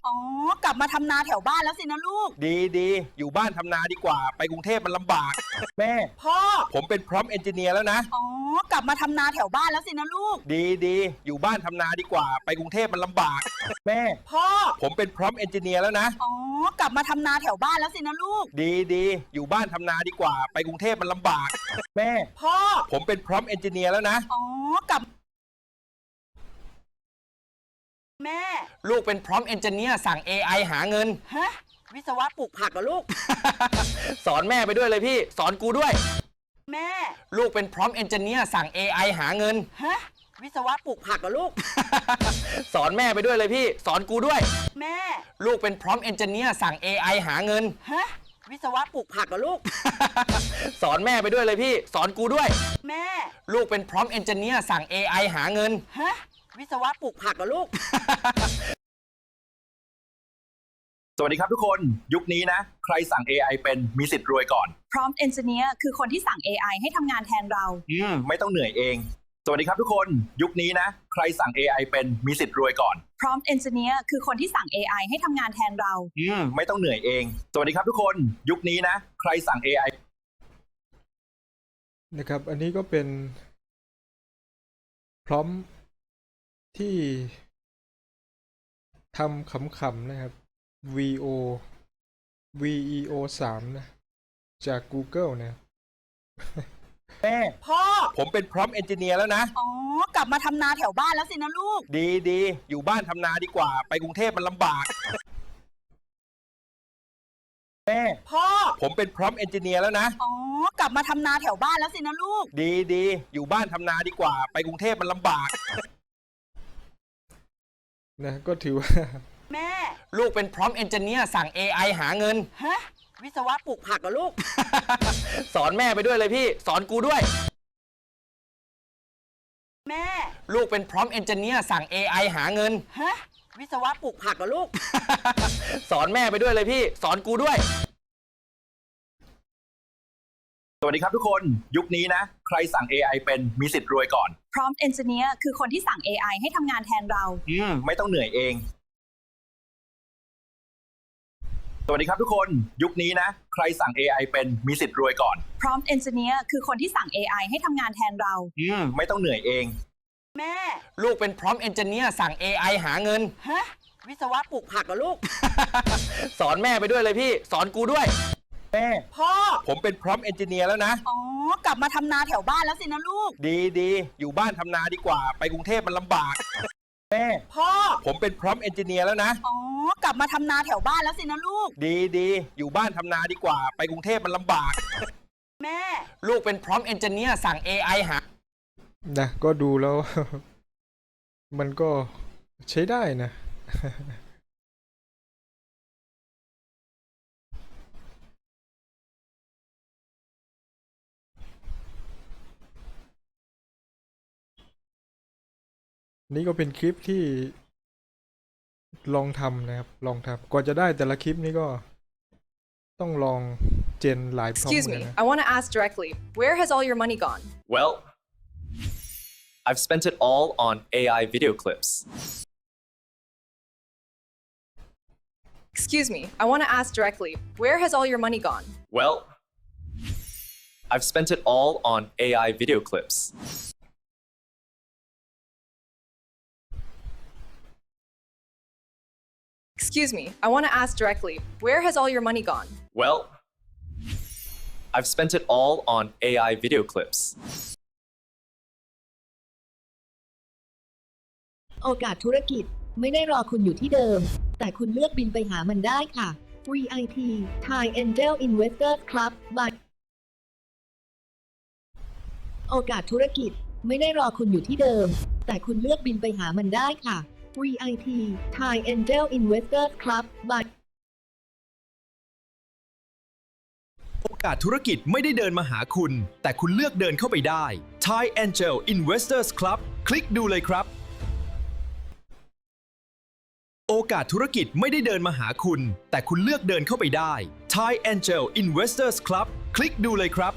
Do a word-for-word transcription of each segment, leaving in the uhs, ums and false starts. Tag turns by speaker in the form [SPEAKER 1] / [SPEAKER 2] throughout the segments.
[SPEAKER 1] อ๋อกลับมาทำนาแถวบ้านแล้วสินะลูก
[SPEAKER 2] ดีดีอยู่บ้านทำนาดีกว่าไปกรุงเทพมันลำบากแม่
[SPEAKER 1] พ่อ
[SPEAKER 2] ผมเป็นพร้อมเอนจิเนียร์แล้วนะ
[SPEAKER 1] อ๋อกลับมาทำนาแถวบ้านแล้วสินะลูก
[SPEAKER 2] ดีดีอยู่บ้านทำนาดีกว่าไปกรุงเทพมันลำบากแม่
[SPEAKER 1] พ่อ
[SPEAKER 2] ผมเป็นพร้อมเอนจิเนียร์แล้วนะ
[SPEAKER 1] อ๋อกลับมาทำนาแถวบ้านแล้วสินะลูก
[SPEAKER 2] ดีดีอยู่บ้านทำนาดีกว่าไปกรุงเทพมันลำบากแม่
[SPEAKER 1] พ่อ
[SPEAKER 2] ผมเป็นพร้อมเอนจิเนียร์แล้วนะ
[SPEAKER 1] อ๋อกลับแม่
[SPEAKER 2] ลูกเป็นพร้อมเอนจิเนียร์สั่ง เอ ไอ หาเงิน
[SPEAKER 1] ฮะวิศวะปลูกผักเหรอลูก
[SPEAKER 2] สอนแม่ไปด้วยเลยพี่สอนกูด้วย
[SPEAKER 1] แม่
[SPEAKER 2] ลูกเป็นพร้อมเอนจิเนียร์สั่ง เอ ไอ หาเงิน
[SPEAKER 1] ฮะวิศวะปลูกผักเหรอลูก
[SPEAKER 2] สอนแม่ไปด้วยเลยพี่สอนกูด้วย
[SPEAKER 1] แม่
[SPEAKER 2] ลูกเป็นพร้อมเอนจิเนียร์สั่ง เอ ไอ หาเงิน
[SPEAKER 1] ฮะวิศวะปลูกผักเหรอลูก
[SPEAKER 2] สอนแม่ไปด้วยเลยพี่สอนกูด้วย
[SPEAKER 1] แม่
[SPEAKER 2] ลูกเป็นพร้อมเอนจิเนียร์สั่ง เอ ไอ หาเงิน
[SPEAKER 1] ฮะวิศวะปลูกผักเหรอลูก
[SPEAKER 2] สวัสดีครับทุกคนยุคนี้นะใครสั่ง เอ ไอ เป็นมีสิทธิ์รวยก่อน
[SPEAKER 1] Prompt Engineer คือคนที่สั่ง เอ ไอ ให้ทำงานแทนเรา
[SPEAKER 2] อืมไม่ต้องเหนื่อยเองสวัสดีครับทุกคนยุคนี้นะใครสั่ง เอ ไอ เป็นมีสิทธิ์รวยก่อน
[SPEAKER 1] Prompt Engineer คือคนที่สั่ง เอ ไอ ให้ทำงานแทนเรา
[SPEAKER 2] อืมไม่ต้องเหนื่อยเองสวัสดีครับทุกคนยุคนี้นะใครสั่ง เอ ไอ
[SPEAKER 3] นะครับอันนี้ก็เป็นพร้อมที่ทำขำๆนะครับ วี โอ วี อี โอ สาม นะจาก Google นะ
[SPEAKER 2] แม่
[SPEAKER 1] พ่อ
[SPEAKER 2] ผมเป็นพร้อมเอนจิเนียร์แล้วนะ
[SPEAKER 1] อ๋อกลับมาทำนาแถวบ้านแล้วสินะลูก
[SPEAKER 2] ดีดีอยู่บ้านทำนาดีกว่าไปกรุงเทพมันลำบากแม่
[SPEAKER 1] พ่อ
[SPEAKER 2] ผมเป็นพร้อมเอนจิเนียร์แล้วนะ
[SPEAKER 1] อ๋อกลับมาทำนาแถวบ้านแล้วสินะลูก
[SPEAKER 2] ดีดีอยู่บ้านทำนาดีกว่าไปกรุงเทพมันลำบาก
[SPEAKER 3] นะก็ถือว่า
[SPEAKER 1] แม่
[SPEAKER 2] ลูกเป็นพร้อมเอนจิเนียร์สั่ง เอ ไอ หาเงิน
[SPEAKER 1] ฮะวิศวะปลูกผักเหรอลูก
[SPEAKER 2] สอนแม่ไปด้วยเลยพี่สอนกูด้วย
[SPEAKER 1] แม่
[SPEAKER 2] ลูกเป็นพร้อมเอนจิเนียร์สั่ง เอ ไอ หาเงิน
[SPEAKER 1] ฮะวิศวะปลูกผักเหรอลูก
[SPEAKER 2] สอนแม่ไปด้วยเลยพี่สอนกูด้วยสวัสดีครับทุกคนยุคนี้นะใครสั่ง เอ ไอ เป็นมีสิทธิ์รวยก่อน
[SPEAKER 1] Prompt Engineer คือคนที่สั่ง เอ ไอ ให้ทำงานแทนเรา
[SPEAKER 2] อืมไม่ต้องเหนื่อยเองสวัสดีครับทุกคนยุคนี้นะใครสั่ง เอ ไอ เป็นมีสิทธิ์รวยก่อน
[SPEAKER 1] Prompt Engineer คือคนที่สั่ง เอ ไอ ให้ทำงานแทนเรา
[SPEAKER 2] อืมไม่ต้องเหนื่อยเอง
[SPEAKER 1] แม่
[SPEAKER 2] ลูกเป็นพร้อมเอนจิเนียร์สั่ง เอ ไอ หาเงิน
[SPEAKER 1] ฮะวิศวะปลูกผักเหรอลูก
[SPEAKER 2] สอนแม่ไปด้วยเลยพี่สอนกูด้วยแม่
[SPEAKER 1] พ่อ
[SPEAKER 2] ผมเป็นพร้อมเอนจิเนียร์แล้วนะ
[SPEAKER 1] อ๋อกลับมาทำนาแถวบ้านแล้วสินะลูก
[SPEAKER 2] ดีดีอยู่บ้านทำนาดีกว่าไปกรุงเทพมันลำบากแม่
[SPEAKER 1] พ่อ
[SPEAKER 2] ผมเป็นพร้อมเอนจิเนียร์แล้วนะ
[SPEAKER 1] อ๋อกลับมาทำนาแถวบ้านแล้วสินะลูก
[SPEAKER 2] ดีดีอยู่บ้านทำนาดีกว่าไปกรุงเทพมันลำบาก
[SPEAKER 1] แม่
[SPEAKER 2] ลูกเป็นพร้อมเอนจิเนียร์สั่ง เอ ไอ หา
[SPEAKER 3] นะก็ดูแล้ว มันก็ใช้ได้นะนี่ก็เป็นคลิปที่ลองทำนะครับลองทำกว่าจะได้แต่ละคลิปนี้ก็ต้องลองเจนหลายพร้อม
[SPEAKER 4] Excuse me, I want to ask directly, where has all your money gone?
[SPEAKER 5] Well, I've spent it all on A I video clips.
[SPEAKER 4] Excuse me, I want to ask directly, where has all your money gone?
[SPEAKER 5] Well, I've spent it all on A I video clips.
[SPEAKER 4] Excuse me, I want to ask directly, where has all your money gone?
[SPEAKER 5] Well, I've spent it all on A I video clips.
[SPEAKER 6] โอกาสธุรกิจไม่ได้รอคุณอยู่ที่เดิมแต่คุณเลือกบินไปหามันได้ค่ะ วี ไอ พี Thai Angel Investors Club by โอกาสธุรกิจไม่ได้รอคุณอยู่ที่เดิมแต่คุณเลือกบินไปหามันได้ค่ะ วี ไอ พี Thai Angel Investors Club by
[SPEAKER 7] โอกาสธุรกิจไม่ได้เดินมาหาคุณแต่คุณเลือกเดินเข้าไปได้ Thai Angel Investors Club คลิกดูเลยครับโอกาสธุรกิจไม่ได้เดินมาหาคุณแต่คุณเลือกเดินเข้าไปได้ Thai Angel Investors Club คลิกดูเลยครับ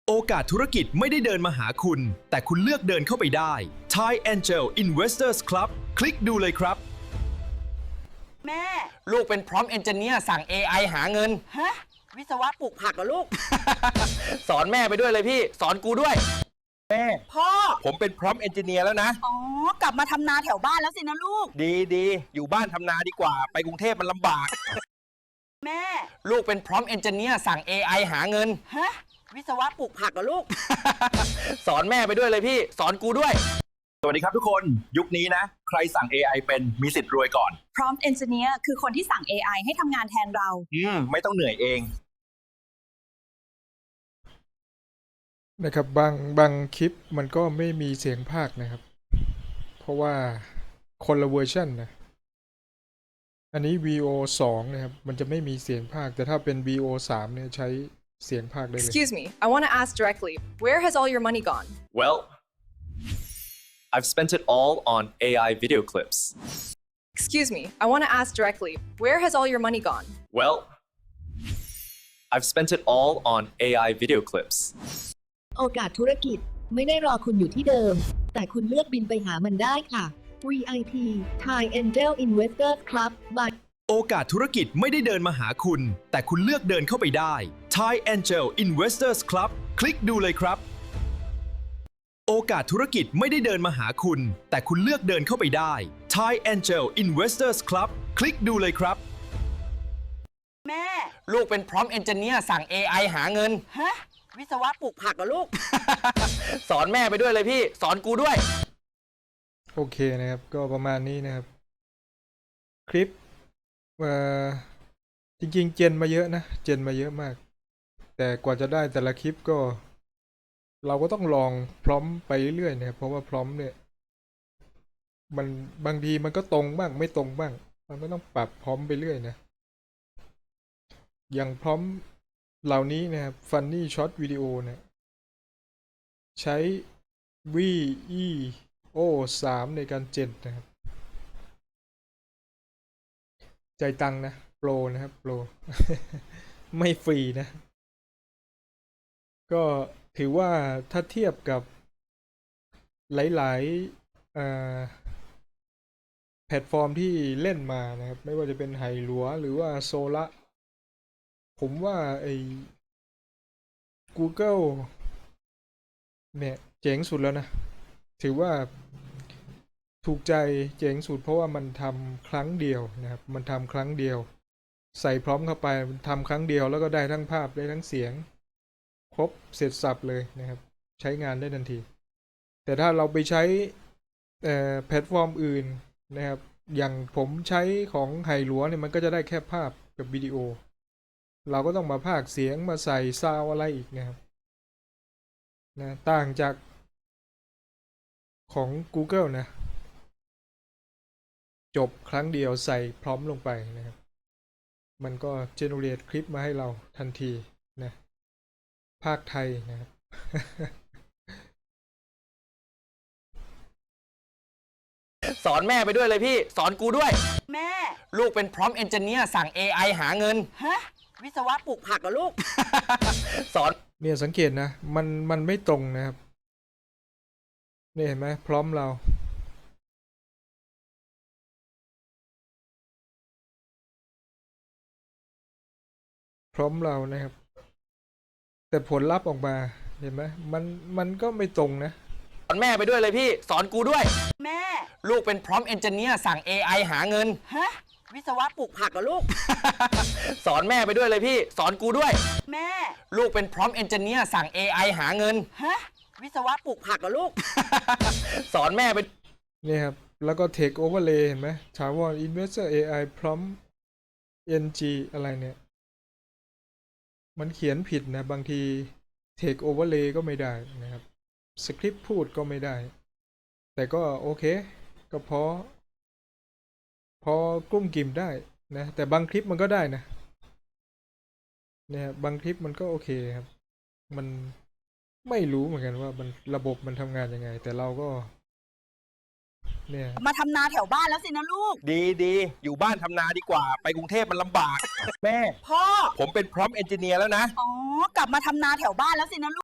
[SPEAKER 7] โอกาสธุรกิจไม่ได้เดินมาหาคุณ แต่คุณเลือกเดินเข้าไปได้ Thai Angel Investors Club คลิกดูเลยครับ
[SPEAKER 1] แม่
[SPEAKER 8] ลูกเป็นพร้อมเอนจิเนียร์สั่ง เอ ไอ หาเงิน
[SPEAKER 1] ฮะ วิศวะปลูกผักเหรอลูก
[SPEAKER 8] สอนแม่ไปด้วยเลยพี่ สอนกูด้วย
[SPEAKER 2] แม่
[SPEAKER 1] พ่อ
[SPEAKER 2] ผมเป็นพร้อมเอนจิเนียร์แล้วนะ
[SPEAKER 1] อ๋อ กลับมาทำนาแถวบ้านแล้วสินะลูก
[SPEAKER 2] ดีดีอยู่บ้านทำนาดีกว่า ไปกรุงเทพมันลำบาก
[SPEAKER 1] แม่
[SPEAKER 8] ลูกเป็นพร้อมเอนจิเนียร์สั่ง เอ ไอ หาเงิน
[SPEAKER 1] ฮะ วิศวะปลูกผักเหรอลูก
[SPEAKER 8] สอนแม่ไปด้วยเลยพี่ สอนกูด้วย
[SPEAKER 2] สวัสดีครับทุกคน ยุคนี้นะ ใครสั่ง เอ ไอ เป็นมีสิทธิ์รวยก่อน
[SPEAKER 1] Prompt Engineer คือคนที่สั่ง เอ ไอ ให้ทำงานแทนเรา
[SPEAKER 2] อืม ไม่ต้องเหนื่อยเอง
[SPEAKER 3] นะครับบางบางคลิปมันก็ไม่มีเสียงภาคนะครับ เพราะว่าคนละเวอร์ชันนะอันนี้ วี โอ สองนะครับมันจะไม่มีเสียงภาคแต่ถ้าเป็น วี โอ สามเนี่ยใช้เสียงภาคได้เลย
[SPEAKER 4] Excuse me, I want to ask directly, where has all your money gone?
[SPEAKER 5] Well, I've spent it all on A I video clips.
[SPEAKER 4] Excuse me, I want to ask directly, where has all your money gone?
[SPEAKER 5] Well, I've spent it all on A I video clips.
[SPEAKER 6] โอกาสธุรกิจไม่ได้รอคุณอยู่ที่เดิม แต่คุณเลือกบินไปหามันได้ค่ะ วี ไอ พี Thai Angel Investors Club by
[SPEAKER 7] โอกาสธุรกิจไม่ได้เดินมาหาคุณ แต่คุณเลือกเดินเข้าไปได้ Thai Angel Investors Club คลิกดูเลยครับ โอกาสธุรกิจไม่ได้เดินมาหาคุณ แต่คุณเลือกเดินเข้าไปได้ Thai Angel Investors Club คลิกดูเลยครับ
[SPEAKER 1] แม่
[SPEAKER 8] ลูกเป็นพร้อมเอนจิเนียร์สั่ง เอ ไอ หาเงิน
[SPEAKER 1] ฮะ วิศวะปลูกผักเหรอลูก
[SPEAKER 8] สอนแม่ไปด้วยเลยพี่ สอนกูด้วย
[SPEAKER 3] โอเคนะครับก็ประมาณนี้นะครับ คลิปเอ่อจริงๆเจนมาเยอะนะเจนมาเยอะมาก แต่กว่าจะได้แต่ละคลิปก็ เราก็ต้องลองพร้อมไปเรื่อยๆนะครับเพราะว่าพร้อมเนี่ย มันบางทีมันก็ตรงบ้างไม่ตรงบ้าง มันก็ต้องปรับพร้อมไปเรื่อยนะ อย่างพร้อมเหล่านี้นะครับ Funny Short Video เนี่ย ใช้ วี อี โอ สาม ในการเจนนะครับ ใจายตังค์นะ โปรนะครับ โปร ไม่ฟรีนะ ก็ถือว่าถ้าเทียบกับหลายๆเอ่อแพลตฟอร์มที่เล่นมานะครับ ไม่ว่าจะเป็นไหหลัวหรือว่าโซละผมว่าไอ้ Google เนี่ยเจ๋งสุดแล้วนะ ถือว่าถูกใจเจ๋งสุดเพราะว่ามันทำครั้งเดียวนะครับ มันทำครั้งเดียว ใส่พร้อมเข้าไปมันทำครั้งเดียวแล้วก็ได้ทั้งภาพได้ทั้งเสียง ครบเสร็จสับเลยนะครับ ใช้งานได้ทันที แต่ถ้าเราไปใช้แพลตฟอร์มอื่นนะครับ อย่างผมใช้ของไหหลัวเนี่ยมันก็จะได้แค่ภาพกับวิดีโอ เราก็ต้องมาพากย์เสียงมาใส่ซาวอะไรอีกนะครับนะต่างจากของ Google นะ จบครั้งเดียวใส่พร้อมลงไปนะครับ มันก็ generate คลิปมาให้เราทันทีนะภาคไทยนะครับ
[SPEAKER 8] สอนแม่ไปด้วยเลยพี่ สอนกูด้วย
[SPEAKER 1] แม่
[SPEAKER 8] ลูกเป็นพร้อมเอนจิเนียร์สั่ง เอ ไอ หาเงิน
[SPEAKER 1] ฮะ วิศวะปลูกผักเหรอลูก
[SPEAKER 8] สอน
[SPEAKER 3] เนี่ยสังเกตนะ มันมันไม่ตรงนะครับนี่เห็นไหมพร้อมเรา พร้อมเรานะครับ แต่ผลลัพธ์ออกมาเห็นไหมมันมันก็ไม่ตรงนะ
[SPEAKER 8] สอนแม่ไปด้วยเลยพี่ สอนกูด้วย
[SPEAKER 1] แม่
[SPEAKER 8] ลูกเป็นพร้อมเอนจิเนียร์สั่ง เอ ไอ หาเงิน
[SPEAKER 1] ฮะ วิศวะปลูกผักเหรอลูก
[SPEAKER 8] สอนแม่ไปด้วยเลยพี่ สอนกูด้วย
[SPEAKER 1] แม่
[SPEAKER 8] ลูกเป็นพร้อมเอนจิเนียร์สั่ง เอ ไอ หาเงิน
[SPEAKER 1] ฮะ วิศวะปลูกผักเหรอลูก
[SPEAKER 8] สอนแม่ไป
[SPEAKER 3] นี่ครับ แล้วก็ Take Overlay เห็นไหมถามว่า Investor เอ ไอ Prompt เอ็น จี อะไรเนี่ย มันเขียนผิดนะ บางที Take Overlay ก็ไม่ได้นะครับ สคริปต์พูดก็ไม่ได้ แต่ก็โอเค ก็พอ พอกลุ้มกิ่มได้นะ แต่บางคลิปมันก็ได้นะ เนี่ยบางคลิปมันก็โอเคครับ มันไม่รู้เหมือนกันว่ามันระบบมันทำงานยังไง แต่เราก็ เนี่ย
[SPEAKER 1] มาทำนาแถวบ้านแล้วสินะลูก
[SPEAKER 2] ดีดีอยู่บ้านทำนาดีกว่า ไปกรุงเทพมันลำบาก แม่
[SPEAKER 1] พ่อ
[SPEAKER 2] ผมเป็นพร้อมเอนจิเนียร์แล้วนะ
[SPEAKER 1] อ๋อ กลับมาทำนาแถวบ้านแล้วสินะลูก